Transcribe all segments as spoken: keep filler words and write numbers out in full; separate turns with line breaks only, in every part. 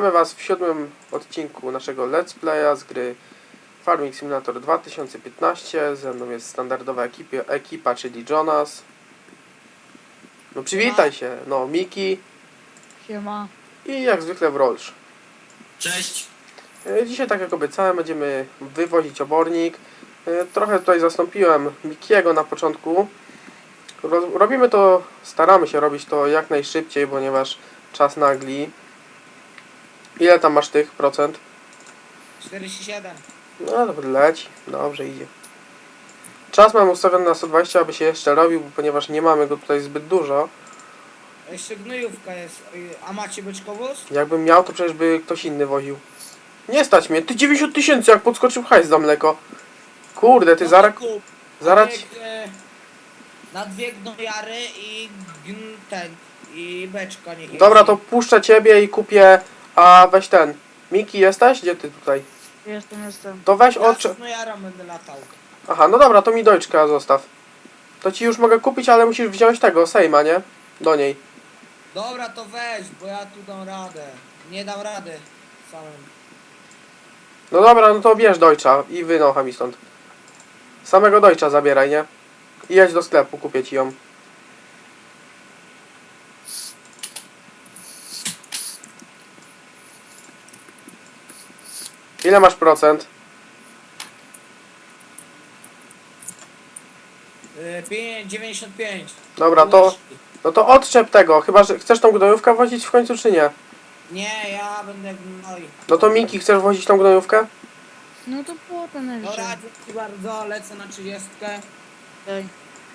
Witamy Was w siódmym odcinku naszego Let's Playa z gry Farming Simulator dwa tysiące piętnaście. Ze mną jest standardowa ekipie, ekipa, czyli Jonas. No przywitaj się, no Miki
Siema.
i jak zwykle Wrolsz.
Cześć.
E, Dzisiaj, tak jak obiecałem, będziemy wywozić obornik. E, Trochę tutaj zastąpiłem Mikiego na początku. Ro- Robimy to, staramy się robić to jak najszybciej, ponieważ czas nagli. Ile tam masz tych procent?
czterdzieści siedem.
No dobra, leci. Dobrze idzie. Czas mam ustawiony na sto dwadzieścia, aby się jeszcze robił, ponieważ nie mamy go tutaj zbyt dużo.
Jeszcze gnojówka jest. A macie beczkowóz?
Jakbym miał, to przecież by ktoś inny woził. Nie stać mnie. Ty dziewięćdziesiąt tysięcy, jak podskoczył hajs za mleko. Kurde, ty
No
zaraz...
to kup.
zaraz...
Na dwie, e, na dwie gnojary i gn, ten. I beczka niech
Dobra,
jeździ.
to puszczę ciebie i kupię... A weź ten. Miki, jesteś? Gdzie ty tutaj?
Jestem, jestem.
To weź
Ja
odcze...
z gnojarą będę latał.
Aha, no dobra, to mi dojczka zostaw. To ci już mogę kupić, ale musisz wziąć tego, Sejma, nie? Do niej.
Dobra, to weź, bo ja tu dam radę. Nie dam rady samym.
No dobra, no to bierz dojcza i wynocha mi stąd. Samego dojcza zabieraj, nie? I jedź do sklepu, kupię ci ją. Ile masz procent?
Yy, dziewięćdziesiąt pięć.
Dobra, to... No to odczep tego, chyba że chcesz tą gnojówkę wozić w końcu, czy nie?
Nie, ja będę gnoj.
No to Miki, chcesz wozić tą gnojówkę?
No to potem jeszcze.
Dobra, dzięki bardzo, lecę na trzydziestkę.
Daj.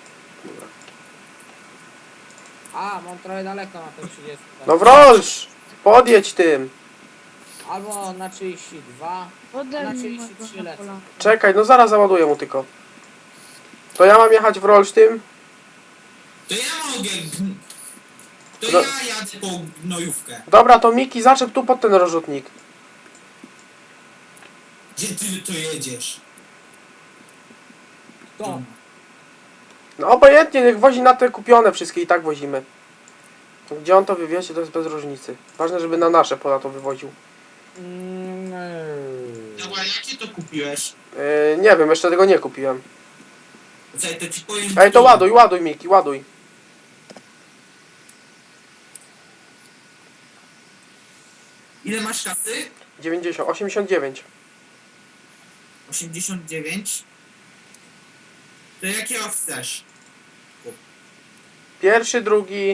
A, mam trochę daleko na tę trzydziestkę.
No Wrolsz! Podjedź tym!
Albo na trzydzieści dwa.
Oddaj
Na
mi
trzydzieści
mojego
trzy lecę.
Napola.
Czekaj, no zaraz załaduję mu tylko. To ja mam jechać Wrolsz tym?
To ja mogę. To
No.
ja jadę po gnojówkę.
Dobra, to Miki, zaczep tu pod ten rozrzutnik.
Gdzie ty to jedziesz?
To.
No obojętnie, niech wozi na te kupione wszystkie i tak wozimy. Gdzie on to wywiezie, to jest bez różnicy. Ważne, żeby na nasze pola to wywoził.
Dobra, jakie to kupiłeś?
Yy, nie wiem, jeszcze tego nie kupiłem.
Czekaj, to ci powiem.
Ej, to
tu.
ładuj, ładuj Miki, ładuj.
Ile masz kasy?
dziewięćdziesiąt, osiemdziesiąt dziewięć.
osiemdziesiąt dziewięć. To jakiego chcesz?
Pierwszy, drugi.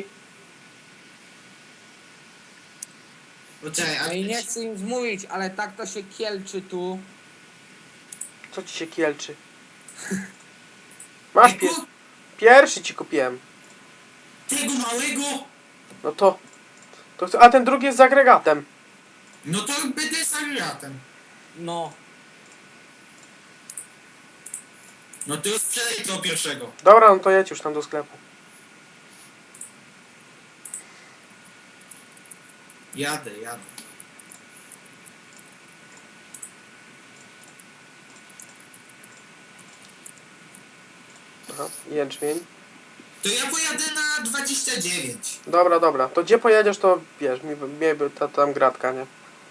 Poczekaj, a
No i nie chcę im zmówić, ale tak to się kielczy tu.
Co ci się kielczy? Masz pie
Tego,
pierwszy ci kupiłem.
tego małego?
No to, to... chcę- A ten drugi jest z agregatem.
No to będę z agregatem.
No.
No to sprzedaj tego pierwszego.
Dobra, no to jedź już tam do sklepu.
Jadę, jadę.
Aha, jęczmień.
To ja pojadę na dwadzieścia dziewięć.
Dobra, dobra. To gdzie pojedziesz, to wiesz, mi, mi by ta tam gratka, nie?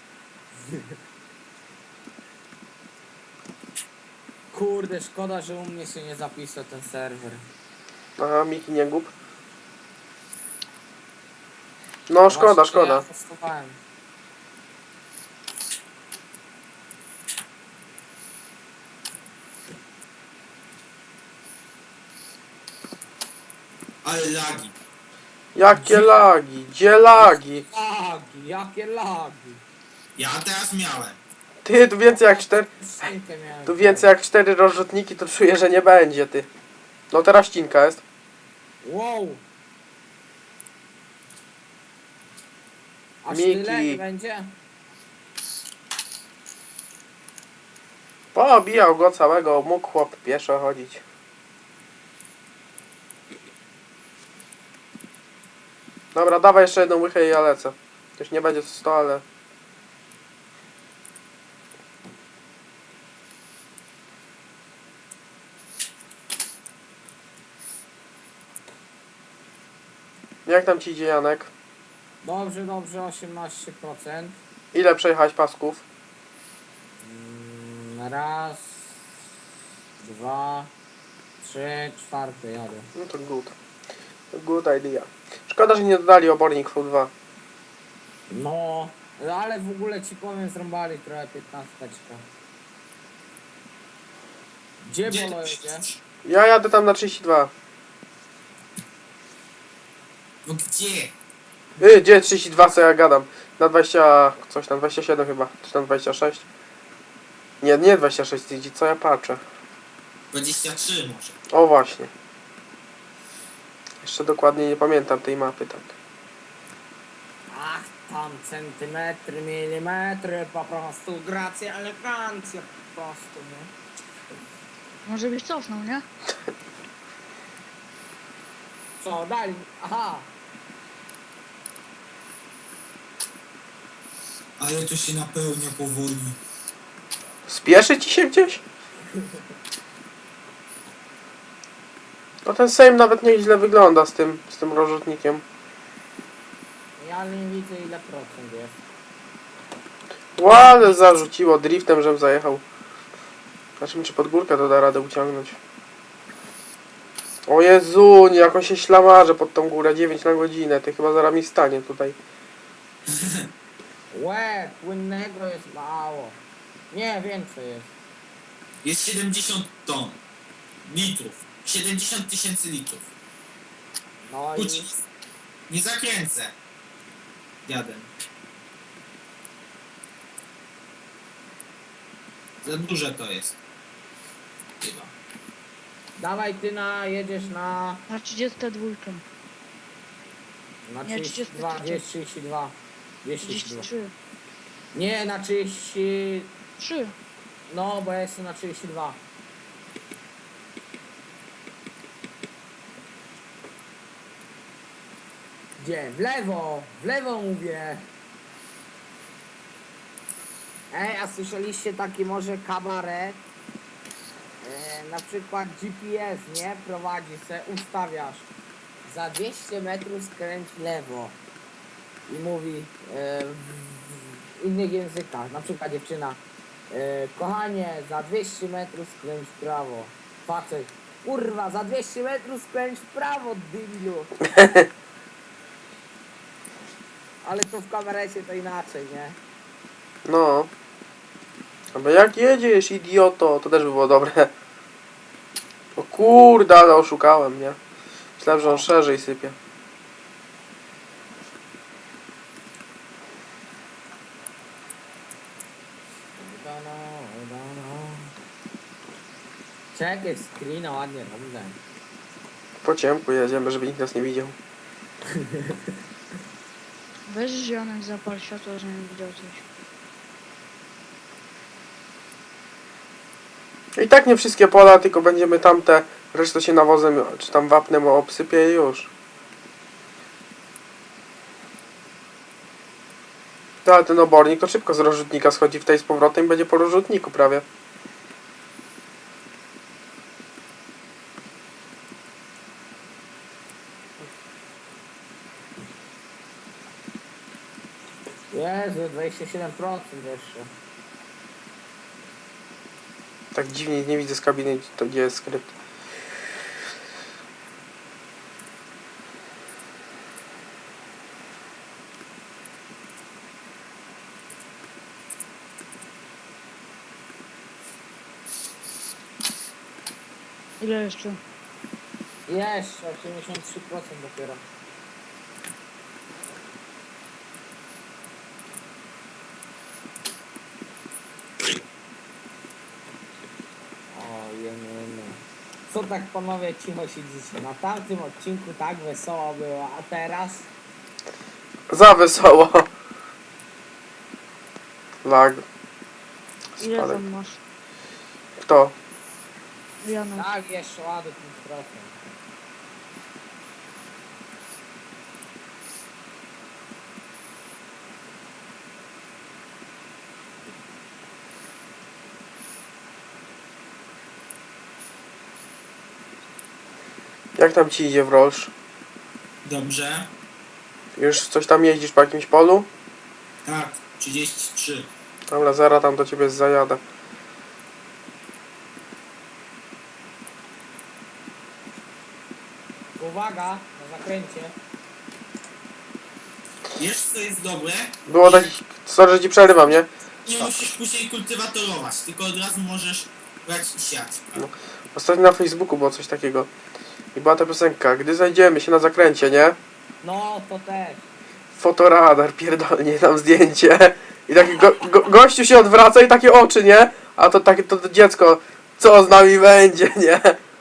Kurde, szkoda, że u mnie się nie zapisał ten serwer.
Aha, Miki, nie gub. No, szkoda,
Właśnie,
szkoda.
Ja testowałem.
Ale lagi.
Jakie lagi, gdzie lagi?
Lagi, jakie lagi.
Ja teraz miałem.
Ty, tu więcej jak cztery...
Szynkę miałem.
Tu więcej jak cztery rozrzutniki, to czuję, że nie będzie, ty. No teraz ścinka jest.
Wow. Aż
Miki.
tyle nie będzie?
Poobijał go całego, mógł chłop pieszo chodzić. Dobra, dawaj jeszcze jedną łychę i ja lecę. To już nie będzie sto, ale... Jak tam ci idzie, Janek?
Dobrze, dobrze, osiemnaście procent.
Ile przejechałeś pasków?
Mm, raz, dwa, trzy, czwarty jadę.
No to good. To good idea. Szkoda, że nie dodali obornik V dwa.
No, ale w ogóle ci powiem, zrąbali trochę piętnasteczkę. Gdzie
Gdzie
Bolo
ty
jedzie?
jedziesz?
Ja jadę tam na trzydzieści dwa.
No gdzie?
Yy, gdzie trzydzieści dwa, co ja gadam? Na dwadzieścia... coś tam, dwadzieścia siedem chyba. Czy tam dwadzieścia sześć? Nie, nie dwadzieścia sześć, widzi, co ja patrzę.
dwadzieścia trzy może.
O właśnie. Jeszcze dokładnie nie pamiętam tej mapy, tak.
Ach, tam centymetry, milimetry, po prostu gracja, elegancja, po prostu, nie?
Może byś cofnął, nie?
Co, dali? Aha,
Ale to się napełnia powoli.
Spieszy ci się gdzieś? No ten Sejm nawet nieźle wygląda z tym, z tym rozrzutnikiem.
ja nie widzę ile procent jest.
Ładnie zarzuciło driftem, żem zajechał. Zobaczymy, czy pod górkę to da radę uciągnąć. O Jezu, jak on się ślamarze pod tą górę, dziewięć na godzinę. Ty chyba zaraz mi stanie tutaj.
Łe, płynnego jest mało. Nie, więcej jest.
Jest siedemdziesiąt ton. Litrów. siedemdziesiąt tysięcy litrów.
No i
Ucisk. Nie zakręcę. Jadę. Za duże to jest. Chyba.
dawaj ty na, jedziesz na,
Na trzydzieści dwa.
na
Nie,
trzydzieści dwa, dwieście trzydzieści dwa. dwieście trzydzieści dwa.
trzydzieści trzy.
Nie, na trzydzieści,
trzy.
no bo ja jestem na trzydzieści dwa. Gdzie? W lewo! W lewo mówię! Ej, a słyszeliście taki może kabaret? E, na przykład G P S, nie? Prowadzi se, ustawiasz. Za dwieście metrów skręć w lewo. I mówi e, w, w innych językach. Na przykład dziewczyna. E, kochanie, za dwieście metrów skręć w prawo. Facet. Kurwa, za dwieście metrów skręć w prawo, dybilu. Ale to w kamerecie to inaczej, nie?
No. Ale jak jedziesz, idioto? To też by było dobre. O kurde, ale oszukałem, nie? Myślałem, że on szerzej sypie.
Czekaj, screena ładnie robię.
Po ciemku jedziemy, żeby nikt nas nie widział.
Weź zionek, zapal światło, żebym widział coś.
I tak nie wszystkie pola, tylko będziemy tamte, resztę się nawozem, czy tam wapnem obsypie i już. To, ale ten obornik to szybko z rozrzutnika schodzi w tej z powrotem i będzie po rozrzutniku prawie.
Jezu, dwadzieścia siedem procent jeszcze.
Tak dziwnie nie widzę z kabiny, to gdzie jest skrypt.
Ile jeszcze?
Jeszcze osiemdziesiąt trzy procent dopiero. O, jemy. Co tak panowie cicho siedzicie? Na tamtym odcinku tak wesoło było, a teraz?
Za wesoło. Lag.
Ile
Spadek.
tam masz?
Kto?
Janek.
Tak, jeszcze ładny pięć procent.
Jak tam ci idzie w Rolsz?
Dobrze.
Już coś tam jeździsz po jakimś polu?
Tak. trzydzieści trzy.
Dobra, zaraz tam do ciebie zajadę.
Uwaga, na zakręcie.
Wiesz co jest dobre?
Było tak... Sorry, że ci przerywam, nie?
Nie musisz później kultywatorować, tylko od razu możesz brać i siać.
Ostatnio na Facebooku było coś takiego. I była ta piosenka, gdy znajdziemy się na zakręcie, nie?
No, to też.
Fotoradar, pierdolnie tam zdjęcie. I taki go, go, gościu się odwraca i takie oczy, nie? A to takie to, to dziecko, co z nami będzie, nie?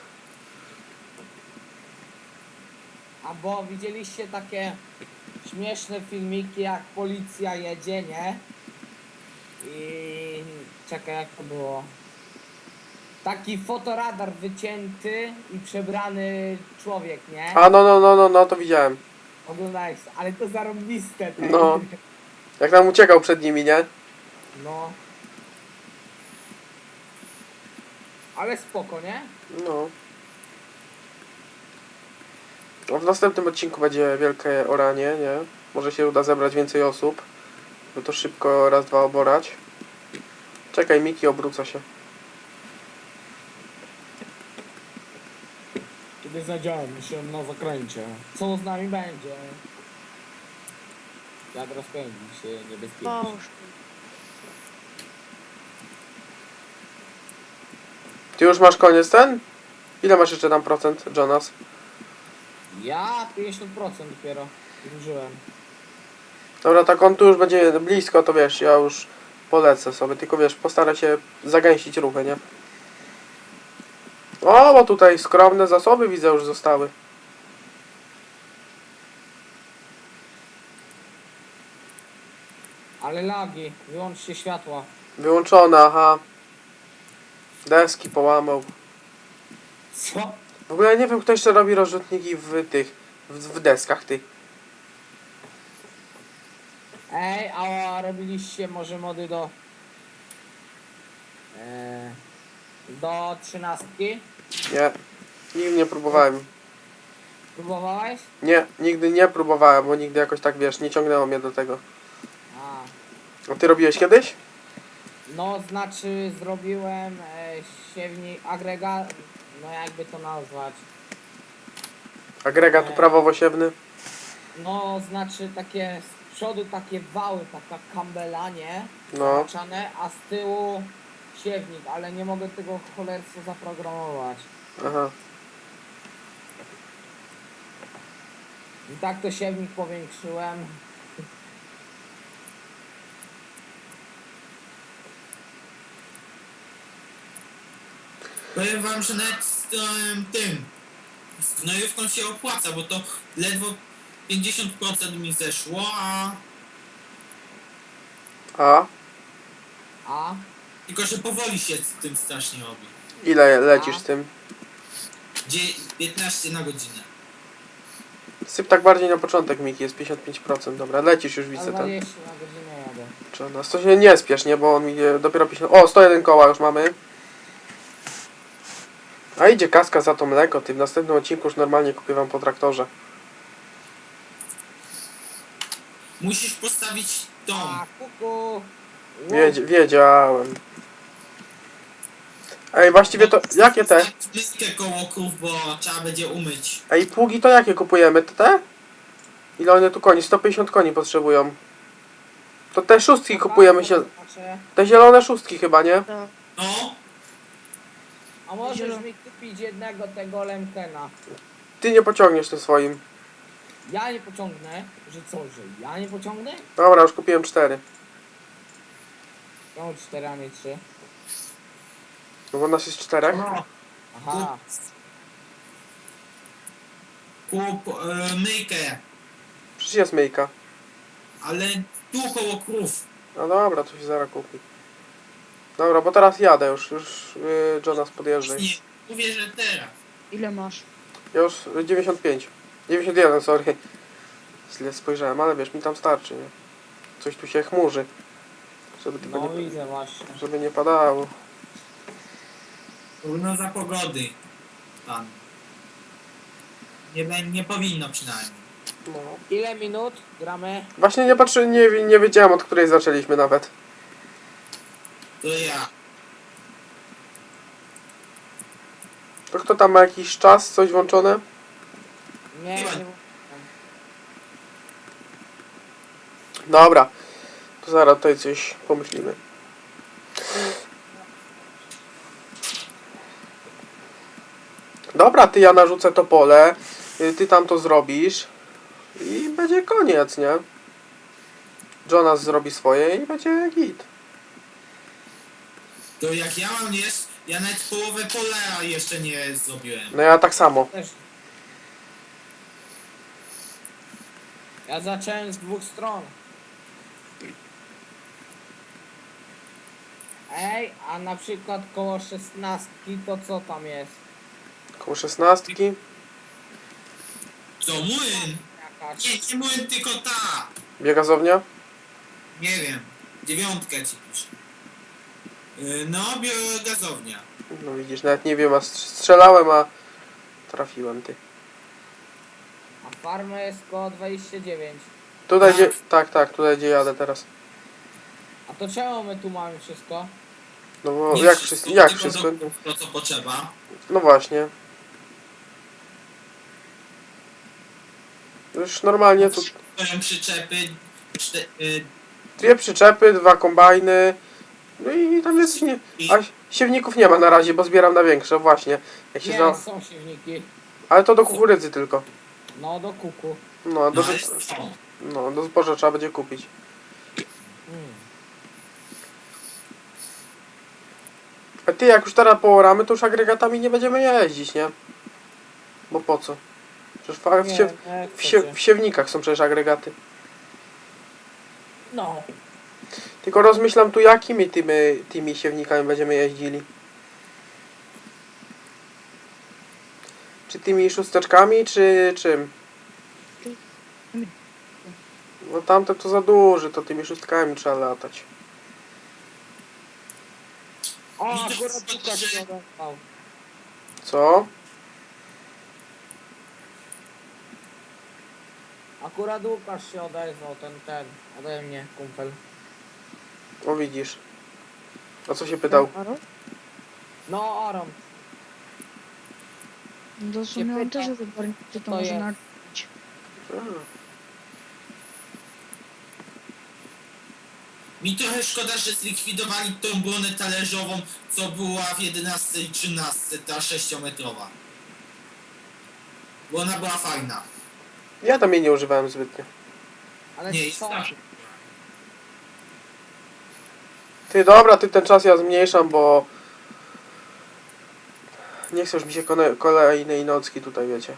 Albo widzieliście takie śmieszne filmiki, jak policja jedzie, nie? I czekaj, jak to było. Taki fotoradar wycięty i przebrany człowiek, nie?
A no, no, no, no, no, to widziałem.
Oglądałeś, ale to zarąbiste. tak?
No. Jak nam uciekał przed nimi, nie?
No. Ale spoko, nie?
No. No, w następnym odcinku będzie wielkie oranie, nie? Może się uda zebrać więcej osób. By to szybko raz, dwa oborać. Czekaj, Miki obróca się.
Kiedy znajdziemy się na zakręcie. Co z nami będzie? Jak rozpędzi się niebezpiecznie.
Poszło.
Ty już masz koniec ten? Ile masz jeszcze tam procent, Jonas?
Ja pięćdziesiąt procent dopiero zużyłem.
Dobra, tak on tu już będzie blisko, to wiesz, ja już polecę sobie, tylko wiesz, postaraj się zagęścić ruchy, nie? O, bo tutaj skromne zasoby widzę już zostały.
Ale lagi, wyłączcie światła.
Wyłączone, aha. Deski połamał.
Co?
W ogóle ja nie wiem, kto jeszcze robi rozrzutniki w tych, w, w deskach tych.
Ej, a robiliście może mody do... E, do trzynastki?
Nie, nigdy nie próbowałem.
Próbowałeś?
Nie, nigdy nie próbowałem, bo nigdy jakoś tak, wiesz, nie ciągnęło mnie do tego.
A.
A ty robiłeś kiedyś?
No, znaczy zrobiłem e, siewnik, agregat, no jakby to nazwać.
Agregat
Nie.
uprawowosiewny?
No, znaczy takie z przodu takie wały, taka kambela, nie?
No.
Zahaczane, a z tyłu siewnik, ale nie mogę tego cholerstwo zaprogramować.
Aha.
I tak to siewnik powiększyłem.
Powiem wam, że nawet z tym, tym z gnojówką się opłaca, bo to ledwo pięćdziesiąt procent mi zeszło, a
A?
A?
tylko że powoli się z tym strasznie robi.
Ile lecisz
A?
z tym?
Gdzie piętnaście na godzinę.
Syp tak bardziej na początek, Miki, jest pięćdziesiąt pięć procent. Dobra, lecisz już,
A
widzę ten.
dwadzieścia na godzinę jadę.
Czy nas to się nie spiesz, nie? Bo on mi je dopiero pięćdziesiąt... O, sto jeden koła już mamy. A idzie kaska za to mleko. Ty w następnym odcinku już normalnie kupię wam po traktorze.
Musisz postawić tą.
A, kuku!
Wiedz, wiedziałem. Ej, właściwie to... Jakie te?
Myjkę koło krów, bo trzeba będzie umyć.
Ej, pługi to jakie kupujemy? Te te? Ile one tu koni? sto pięćdziesiąt koni potrzebują. To te szóstki kupujemy się...
Znaczy,
Te zielone szóstki chyba, nie?
To
No,
a możesz
Zielony.
mi kupić jednego tego Lemkena.
Ty nie pociągniesz tym swoim.
Ja nie pociągnę, że co, że ja nie pociągnę?
Dobra, już kupiłem cztery.
Ja mam cztery, a nie trzy.
No bo nas jest czterech.
Aha.
kup e, myjkę,
Przecież jest myjka.
ale tu koło krów.
No dobra, to się zaraz kupi. Dobra, bo teraz jadę już. Już yy, Jonas podjeżdżaj.
Nie, mówię, że teraz.
ile masz?
Ja już y, dziewięćdziesiąt pięć. dziewięćdziesiąt jeden, sorry. Źle spojrzałem, ale wiesz, mi tam starczy, nie? Coś tu się chmurzy. Żeby tylko
No
nie,
widzę właśnie.
żeby nie padało.
Prognoza pogody. Pan. Nie, bę- nie powinno przynajmniej.
No.
Ile minut gramy?
Właśnie nie patrzy, nie, nie wiedziałem od której zaczęliśmy nawet.
To ja.
To kto tam ma jakiś czas, coś włączone?
Nie,
Chyba.
nie.
Dobra. To zaraz tutaj coś pomyślimy. Dobra, ty ja narzucę to pole, y, ty tam to zrobisz i będzie koniec, nie? Jonas zrobi swoje i będzie git.
To jak ja mam jest, ja nawet połowę pola jeszcze nie zrobiłem.
No ja tak samo.
Też. Ja zacząłem z dwóch stron. Ej, a na przykład koło szesnastki to co tam jest?
Koło szesnastki.
Co, młyn?
Jakaś.
Nie, nie młyn, tylko ta.
Biegazownia?
Nie wiem. Dziewiątkę ci piszę. Yy, no, biogazownia.
No widzisz, nawet nie wiem, a strz- strzelałem, a trafiłem ty.
A farma jest koło dwadzieścia dziewięć.
Tutaj
Tak.
gdzie, tak, tak, tutaj gdzie jadę teraz.
A to czemu my tu mamy wszystko?
No bo
Nie
jak
wszystko,
wszystko, jak
tylko
wszystko?
do- To co potrzeba.
No właśnie. Już normalnie tu
Stoją przyczepy. Czte, yy,
dwie przyczepy, dwa kombajny. No i tam jest nie.
i,
A siewników nie ma na razie, bo zbieram na większe, właśnie. Jak się
Nie,
za...
są siewniki.
Ale to do kukurydzy tylko.
No do kuku.
No, do,
no, ale są.
no, do zboża trzeba będzie kupić.
Mm.
A ty, jak już teraz pooramy, to już agregatami nie będziemy jeździć, nie? Bo po co? Przecież w, w,
Nie,
siew,
nie
w, sie,
chcecie.
w siewnikach są przecież agregaty.
No.
Tylko rozmyślam tu, jakimi tymi, tymi siewnikami będziemy jeździli. Czy tymi szósteczkami, czy czym? No tamte to za duży, to tymi szóstkami trzeba latać.
O,
Mi to
akurat
wszystko
Łukasz
że-
się odezwał.
Co?
Akurat Łukasz się odezwał, ten, ten, ode mnie, kumpel.
O widzisz. O co się pytał?
Aro?
No, Aron.
No to w sumie on też wybornik, to,
to
może
jest?
nakupić.
A,
Mi trochę szkoda, że zlikwidowali tą bronę talerzową, co była w jedenastce i trzynastce, ta sześciometrowa. Bo ona była fajna.
ja tam jej nie używałem zbytnio.
Ale
Nie, jest
co?
tak.
Ty, dobra, ty ten czas ja zmniejszam, bo... Nie chcę już mi się kone- kolejnej nocki tutaj, wiecie.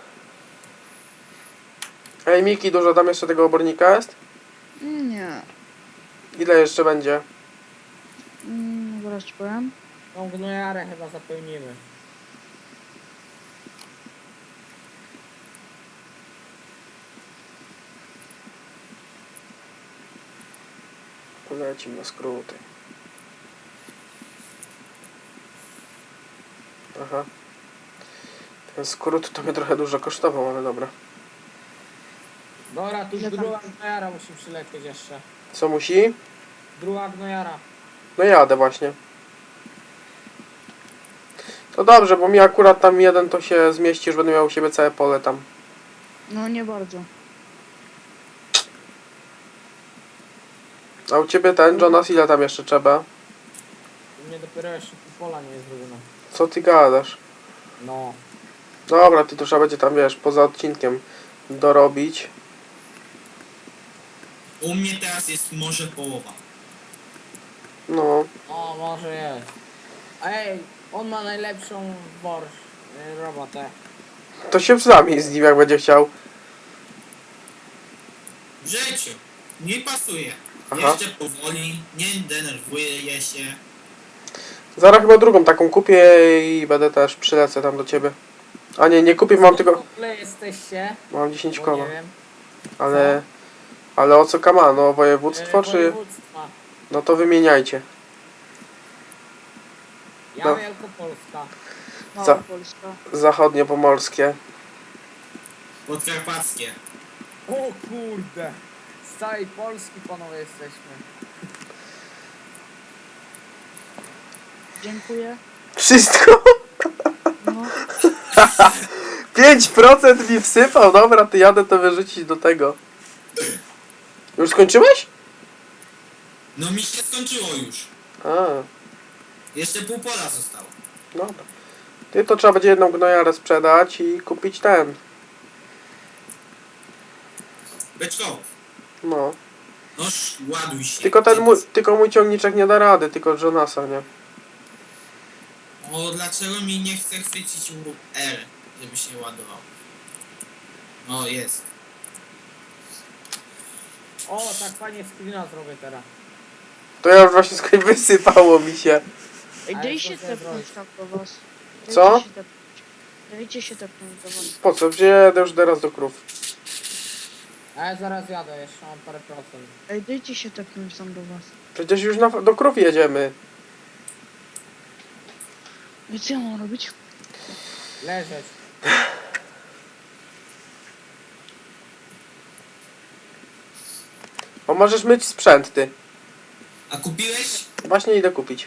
Ej, Miki, dużo tam jeszcze tego obornika jest?
Nie.
Ile jeszcze będzie?
Mm, zaraz ci powiem.
Tą gnojarę chyba zapełnimy.
Polecimy na skróty. Aha. Ten skrót to mnie trochę dużo kosztował, ale dobra.
Dobra, tu
Ile tam?
druga gnojara musi przylecieć jeszcze.
Co musi?
Druga gnojara.
No jadę właśnie. To dobrze, bo mi akurat tam jeden to się zmieści, już będę miał u siebie całe pole tam.
No nie bardzo.
A u ciebie ten, Jonas, ile tam jeszcze trzeba?
U mnie dopiero jeszcze pół pola nie jest zrobione.
Co ty gadasz?
No.
Dobra, ty to trzeba będzie tam, wiesz, poza odcinkiem dorobić.
U mnie teraz jest może połowa.
No,
O, może jest. Ej, on ma najlepszą borsz, y, robotę.
to się zamień z nim, jak będzie chciał.
W życiu. Nie pasuje.
Aha.
Jeszcze powoli, nie denerwuje się.
Zaraz chyba drugą taką kupię i będę też przylecę tam do ciebie. A nie, nie kupię, mam tylko...
W ogóle jesteście?
Mam dziesięć
Bo
koła.
nie wiem.
Ale... Ale o co kama? No województwo
Y,
czy...
województwa.
No to wymieniajcie.
Ja
No.
Wielkopolska.
Mała
Co?
Polska.
Zachodnio pomorskie.
Podkarpackie.
O kurde. Z całej Polski panowie jesteśmy.
Dziękuję.
Wszystko?
No,
pięć procent mi wsypał, dobra, ty jadę to wyrzucić do tego. Już skończyłeś?
No mi się skończyło już.
A,
Jeszcze pół pola zostało.
dobra. Ty to trzeba będzie jedną gnojarę sprzedać i kupić ten.
Beczkowo.
No.
Noż, ładuj się.
Tylko ten mój, tylko mój ciągniczek nie da rady, tylko Jonasa, nie?
O, dlaczego mi nie chce chwycić mu R, żeby się ładował? O, jest.
O, tak fajnie screena zrobię teraz.
To ja już właśnie skoń wysypało mi się.
ej,
Ale
daj
co
się
chcę
tepnąć
zrobić?
tam do was. Dajcie
Co?
się tepnąć. Dajcie się tepnąć do was.
Po co? Wjedę już teraz do krów.
A ja zaraz jadę, jeszcze mam parę procent.
Ej, dajcie się tepnąć tam do was.
Przecież już na, do krów jedziemy.
I co ja mam robić?
Leżeć.
O, możesz myć sprzęt, ty.
A kupiłeś?
Właśnie idę kupić.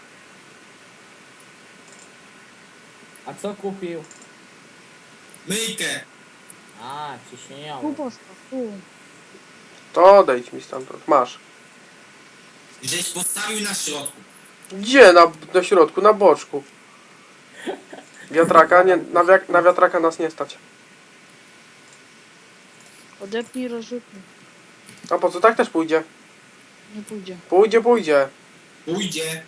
A co kupił?
Myjkę.
A, ciśnieniowy.
Tu postaw, tu.
To odejdź mi stamtąd. Masz.
Żeś postawił na środku.
Gdzie? Na, na środku, na boczku. Wiatraka? Nie, na, wiak, na wiatraka nas nie stać.
Odepnij rozrzutnik.
A po co? Tak też pójdzie.
Nie pójdzie.
Pójdzie, pójdzie.
Pójdzie.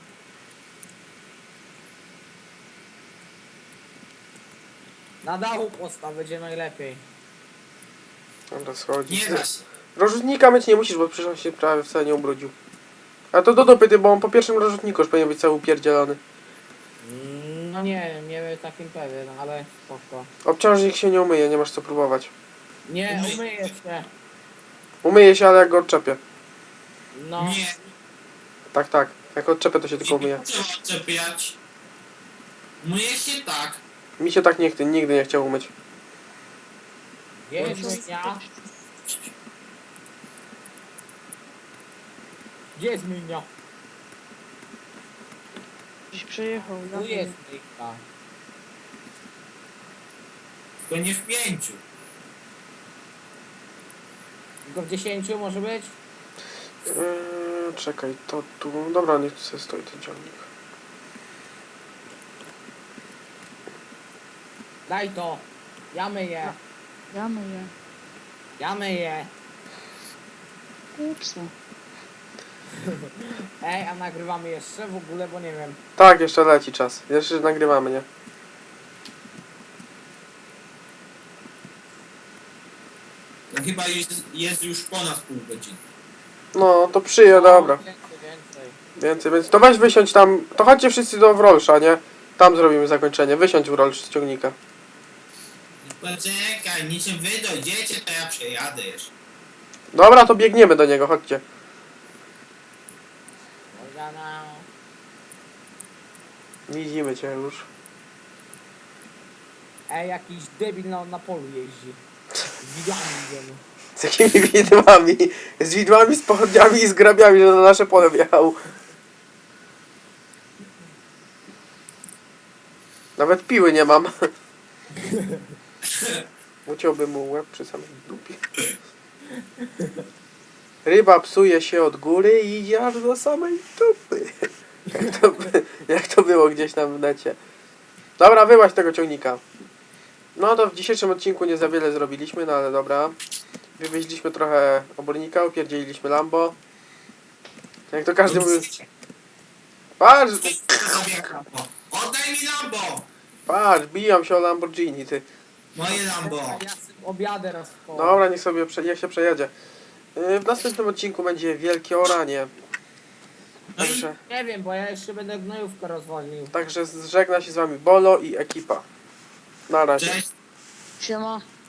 Na dachu postaw, będzie najlepiej.
Dobra, schodzi.
Nie da się.
Rozrzutnika myć nie musisz, bo przecież on się prawie wcale nie ubrudził. A to do dupy, ty, bo on po pierwszym rozrzutniku już powinien być cały upierdzielony.
Mm, No nie wiem, nie wiem takim pewien, ale spoko.
Obciążnik się nie umyje, nie masz co próbować.
Nie,
Umyj.
umyję się.
Umyje się, ale jak go odczepię.
No.
Nie.
Tak, tak. Jak odczepię, to się tylko
Nie
umyje.
trzeba odczepiać. Myje się tak.
Mi się tak nie chce, nigdy nie chciał umyć.
Gdzie jest myjnia? Gdzie jest myjnia?
Gdzieś przejechał. ja
Tu
wiem.
jest myjka.
Tylko nie w pięciu.
Tylko w dziesięciu może być?
Yy, czekaj, to tu... Dobra, niech tu sobie stoi ten ciągnik.
Daj to. Ja myję.
Ja myję.
Ja myję.
Kupsa.
Ej, a nagrywamy jeszcze w ogóle, bo nie wiem.
Tak, jeszcze leci czas. Jeszcze nagrywamy, nie?
To chyba jest, jest już ponad pół godziny.
No, to przyje, dobra.
Więcej, więcej.
Więcej, więc to weź wysiądź tam... To chodźcie wszyscy do Wrolsza, nie? Tam zrobimy zakończenie. Wysiądź Wrolsz z ciągnika.
Poczekaj, niczym wy dojdziecie, to ja przejadę jeszcze.
Dobra, to biegniemy do niego, chodźcie.
Morgana.
Widzimy cię już.
Ej, jakiś debil na, na polu jeździ. Z widłami idziemy.
Z jakimi widłami? Z widłami, z pochodniami i z grabiami, że na nasze pole wjechał. Nawet piły nie mam. Uciąłbym mu łeb przy samej dupie. Ryba psuje się od góry i idzie aż do samej dupy. Jak to, by- jak to było gdzieś tam w necie. Dobra, wyłaź tego ciągnika. No to w dzisiejszym odcinku nie za wiele zrobiliśmy, no ale dobra. Wywieźliśmy trochę obornika, upierdzieliliśmy Lambo. Jak to każdy mówi... Patrz,
To sobie Lambo. Oddaj mi Lambo!
patrz, biją się o Lamborghini, ty.
Moje Lambo.
Ja sobie objadę raz w koło.
Dobra, niech sobie prze, niech się przejedzie. Yy, W następnym odcinku będzie wielkie oranie.
No i
Także,
Nie wiem, bo ja jeszcze będę gnojówkę rozwoził.
także żegna się z wami Bolo i ekipa. Na razie.
cześć.
Siema.